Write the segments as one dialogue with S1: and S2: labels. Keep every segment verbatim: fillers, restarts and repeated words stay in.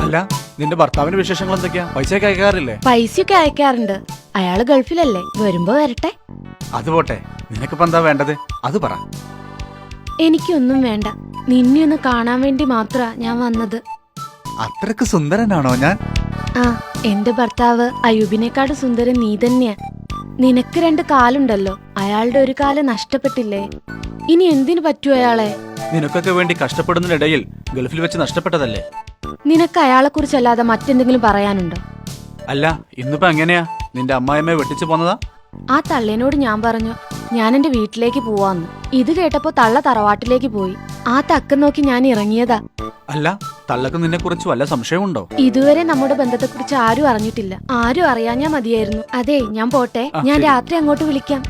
S1: അല്ല, നിന്റെ ഭർത്താവിന്റെ വിശേഷങ്ങൾ എന്തൊക്കെയാ? പൈസയൊക്കെ അയക്കാറില്ലേ?
S2: പൈസയൊക്കെ അയക്കാറുണ്ട്. അയാള് ഗൾഫിലല്ലേ, വരുമ്പോ വരട്ടെ.
S1: അത് പോട്ടെ, നിനക്കിപ്പോ എന്താ വേണ്ടത് അത് പറ.
S2: എനിക്കൊന്നും വേണ്ട, നിന്നെ ഒന്ന് കാണാൻ വേണ്ടി മാത്രാ ഞാൻ വന്നത്.
S1: അത്രക്ക് സുന്ദരനാണോ ഞാൻ?
S2: ആ, എന്റെ ഭർത്താവ് അയൂബിനെക്കാട് സുന്ദരൻ നീ തന്നെയാ. നിനക്ക് രണ്ട് കാലുണ്ടല്ലോ, അയാളുടെ ഒരു കാല് നഷ്ടപ്പെട്ടില്ലേ? ഇനി എന്തിനു പറ്റൂ അയാളെ?
S1: നിനക്കൊക്കെ വേണ്ടി കഷ്ടപ്പെടുന്നതിനിടയിൽ ഗൾഫിൽ വെച്ച് നഷ്ടപ്പെട്ടതല്ലേ?
S2: നിനക്ക് അയാളെ കുറിച്ചല്ലാതെ മറ്റെന്തെങ്കിലും പറയാനുണ്ടോ?
S1: അല്ല, ഇന്നിപ്പോ എങ്ങനെയാ? നിന്റെ അമ്മായിയമ്മയെ വെട്ടിച്ചു പോന്നതാ?
S2: ആ തള്ളേനോട് ഞാൻ പറഞ്ഞു ഞാൻ എന്റെ വീട്ടിലേക്ക് പോവാന്ന്. ഇത് കേട്ടപ്പോ തള്ള തറവാട്ടിലേക്ക് പോയി. ആ തക്കം നോക്കി ഞാൻ ഇറങ്ങിയതാ.
S1: അല്ല, തള്ളക്ക് നിന്നെ കുറിച്ച് വല്ല സംശയമുണ്ടോ?
S2: ഇതുവരെ നമ്മുടെ ബന്ധത്തെക്കുറിച്ച് ആരും അറിഞ്ഞിട്ടില്ല. ആരും അറിയാഞ്ഞാ മതിയായിരുന്നു. അതെ, ഞാൻ പോട്ടെ. ഞാൻ രാത്രി അങ്ങോട്ട് വിളിക്കാം.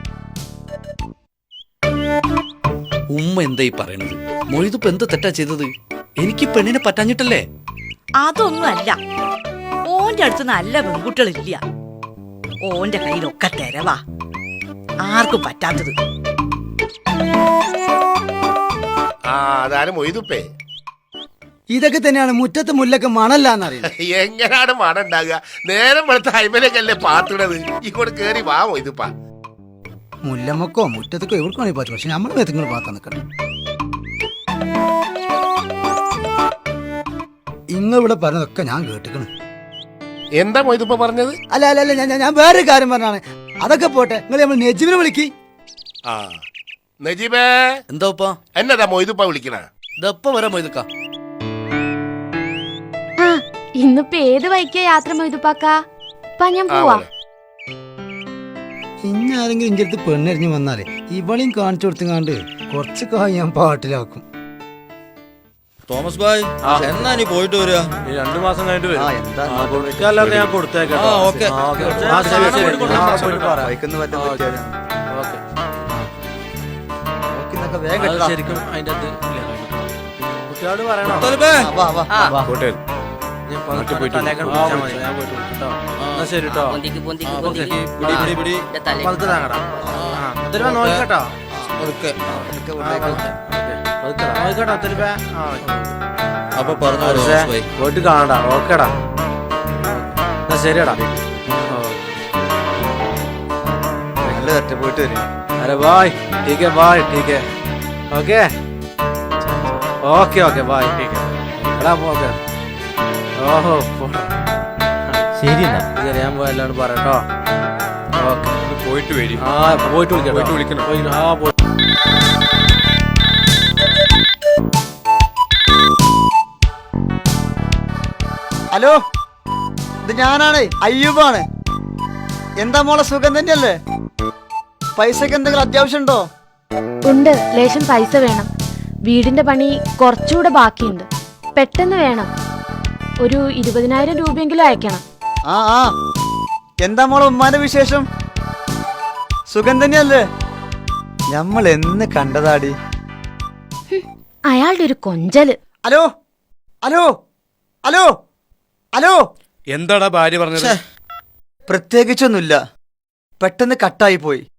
S3: ഉമ്മ എന്തായി പറയണത്? മൊയ്തുപ്പ് എന്താ തെറ്റാ ചെയ്തത്? എനിക്ക് പെണ്ണിനെ പറ്റാഞ്ഞിട്ടല്ലേ?
S4: അതൊന്നും അല്ല, ഓന്റെ അടുത്ത് നല്ല പെൺകുട്ടികളില്ല. ഓന്റെ കയ്യിലൊക്കെ തെരവാ, ആർക്കും പറ്റാത്തത്.
S5: ആ അതാരും മൊയ്തുപ്പേ.
S6: ഇതൊക്കെ തന്നെയാണ് മുറ്റത്ത് മുല്ലക്ക് മണല്ലാന്നറിയാം.
S5: എങ്ങനെയാണ് മണം ഉണ്ടാകുക? നേരം വെളുത്ത ഹൈമലേക്കല്ലേ പാത്തിടത്. ഇങ്ങോട്ട് കേറി വാ മൊയ്തുപ്പ.
S6: മുല്ലമ്മക്കോ മുറ്റത്തൊക്കെ എവിടെക്കാണി പറ്റും, പക്ഷെ നമ്മൾ മേത്തങ്ങൾ പാത്താൻ നിൽക്കണം. ഇങ്ങ ഇവിടെ പറഞ്ഞതൊക്കെ ഞാൻ കേട്ടിക്കണം.
S5: എന്താ മൊയ്തുപ്പ പറഞ്ഞത്?
S6: അല്ല അല്ല അല്ല ഞാൻ ഞാൻ വേറൊരു കാര്യം പറഞ്ഞാണ്. അതൊക്കെ പോട്ടെ, നിങ്ങൾ നമ്മൾ നെജിബിനെ വിളിക്ക്.
S5: ആ നജീബേ.
S3: എന്താ ഉപ്പ?
S5: എന്നതാ മൊയ്തുപ്പ വിളിക്കണ?
S3: ഇതെപ്പ വരാ മൊയ്തുക്ക?
S2: ആ, ഇന്നിപ്പോ ഏത് വൈക്കാ യാത്ര മൊയ്തുപ്പാക്കാ? ഇപ്പൊ ഞാൻ പോവാ.
S6: ഇനി ആരെങ്കിലും ഇന്റെ അടുത്ത് പെണ്ണെറിഞ്ഞ് വന്നാലേ ഇവളെയും കാണിച്ചു കൊടുത്തുങ്ങാണ്ട് കുറച്ച് കായ് ഞാൻ പാട്ടിലാക്കും.
S7: തോമസ് ഭായ്, എന്നാ നീ പോയിട്ട് വരിക?
S1: രണ്ടു മാസം കഴിഞ്ഞിട്ട് വരും. ഞാൻ കൊടുത്തേക്കാം. ശരിക്കും അതിന്റെ കുട്ടിയോട് പറയണോ? ശരി കേട്ടോ, നോക്കട്ടോ.
S7: അപ്പൊ പറഞ്ഞു
S1: പോയിട്ട് കാണടാ. ഓക്കേടാ, എന്നാ ശരിയടാ. പോയിട്ട് വരും. അരെ ബായ്. ठीक है बाय. ठीक है. Okay okay okay bye. ठीक है. എടാ ഓക്കെ. ഓഹോ ശരി എന്നാ ശരി, ഞാൻ പോയല്ലോണ്ട് പറയട്ടോ. ഓക്കെ, പോയിട്ട് വരും. ആ പോയിട്ട് വിളിക്കാം. പോയിട്ട് വിളിക്കണം. ആ പോയി.
S6: ഹലോ, ഇത് ഞാനാണ്, അയ്യൂബാണ്. എന്താ മോളെ, സുഖം തന്നെയല്ലേ? പൈസക്ക് എന്തെങ്കിലും അത്യാവശ്യം ഉണ്ടോ?
S2: ഉണ്ട്, ലേശം പൈസ വേണം. വീടിന്റെ പണി കുറച്ചുകൂടെ ബാക്കിയുണ്ട്, പെട്ടെന്ന് വേണം. ഒരു ഇരുപതിനായിരം രൂപയെങ്കിലും അയക്കണം.
S6: ആ ആ എന്താ മോളെ ഉമ്മാന്റെ വിശേഷം? സുഖം തന്നെയല്ലേ? നമ്മൾ എന്ന് കണ്ടതാടി.
S2: അയാളുടെ ഒരു കൊഞ്ചല്.
S6: Hello hello hello hello.
S7: എന്താടാ ഭാര്യ പറഞ്ഞത്?
S6: പ്രത്യേകിച്ചൊന്നുമില്ല, പെട്ടെന്ന് കട്ടായി പോയി.